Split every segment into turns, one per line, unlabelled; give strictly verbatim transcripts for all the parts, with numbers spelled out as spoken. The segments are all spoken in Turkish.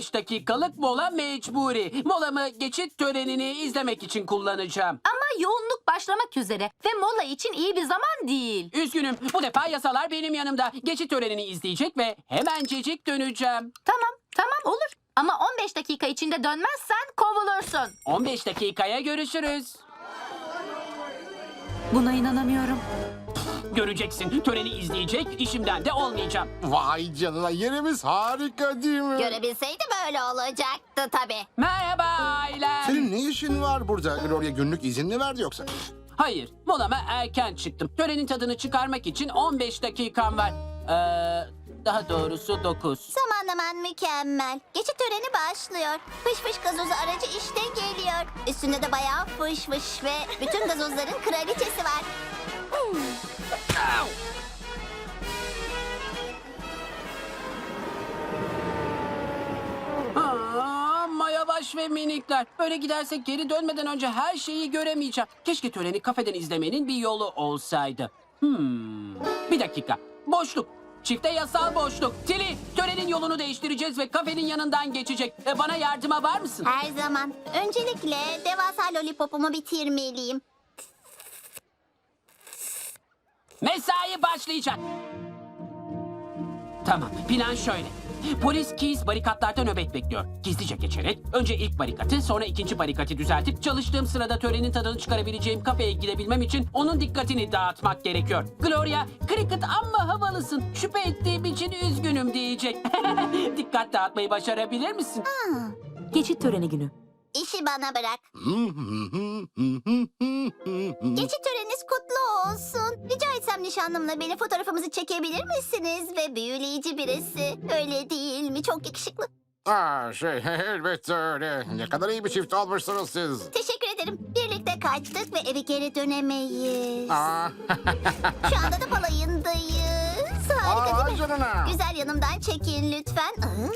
beş dakikalık mola mecburi. Molamı geçit törenini izlemek için kullanacağım.
Ama yoğunluk başlamak üzere ve mola için iyi bir zaman değil.
Üzgünüm, bu defa yasalar benim yanımda. Geçit törenini izleyecek ve hemencecik döneceğim.
Tamam, tamam olur. Ama on beş dakika içinde dönmezsen kovulursun.
on beş dakikaya görüşürüz.
Buna inanamıyorum.
Göreceksin, töreni izleyecek, işimden de olmayacağım.
Vay canına, yerimiz harika değil mi?
Görebilseydi böyle olacaktı tabii.
Merhaba ailem.
Senin ne işin var burada? Gloria günlük izin mi verdi yoksa?
Hayır, molama erken çıktım. Törenin tadını çıkarmak için on beş dakikam var. Ee, daha doğrusu dokuz.
Zamanlaman mükemmel. Geçit töreni başlıyor. Fış fış gazozu aracı işte geliyor. Üstünde de bayağı fış fış ve bütün gazozların kraliçesi var. Hmm.
Aa, Mayavaş ve minikler. Böyle gidersek geri dönmeden önce her şeyi göremeyeceğim. Keşke töreni kafeden izlemenin bir yolu olsaydı. Hmm. Bir dakika. Boşluk. Çifte yasal boşluk. Tili, törenin yolunu değiştireceğiz ve kafenin yanından geçecek. E, bana yardıma var mısın?
Her zaman. Öncelikle devasa lollipopumu bitirmeliyim.
Mesai başlayacak. Tamam, plan şöyle. Polis Keys barikatlarda nöbet bekliyor. Gizlice geçerek önce ilk barikatı sonra ikinci barikatı düzeltip çalıştığım sırada törenin tadını çıkarabileceğim kafeye gidebilmem için onun dikkatini dağıtmak gerekiyor. Gloria, Cricket amma havalısın. Şüphe ettiğim için üzgünüm diyecek. Dikkat dağıtmayı başarabilir misin?
Geçit töreni günü.
İşi bana bırak. Geçit töreniniz kutlu olsun. Rica etsem nişanlımla beni fotoğrafımızı çekebilir misiniz? Ve büyüleyici birisi. Öyle değil mi? Çok yakışıklı.
Aa, şey elbette öyle. Ne kadar iyi bir çift olmuşsunuz siz.
Teşekkür ederim. Birlikte kaçtık ve eve geri dönemeyiz.
Aa,
Şu anda da balayındayız. Harika
Aa,
değil mi?
canına.
Güzel yanımdan çekin lütfen. Aa.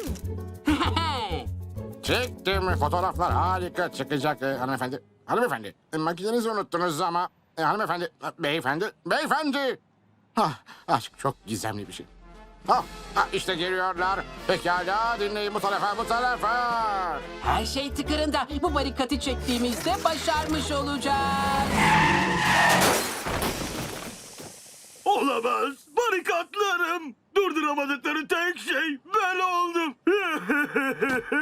Çektim, fotoğraflar harika çıkacak e, hanımefendi. Hanımefendi, e, makinenizi unuttunuz ama... E, hanımefendi, e, beyefendi, beyefendi. Ah, aşk çok gizemli bir şey. Ah, ah, işte geliyorlar. Pekala, dinleyin bu tarafa, bu tarafa.
Her şey tıkırında. Bu barikatı çektiğimizde başarmış olacağız.
Olamaz. Barikatlarım. Durduramadıkları tek şey ben oldum.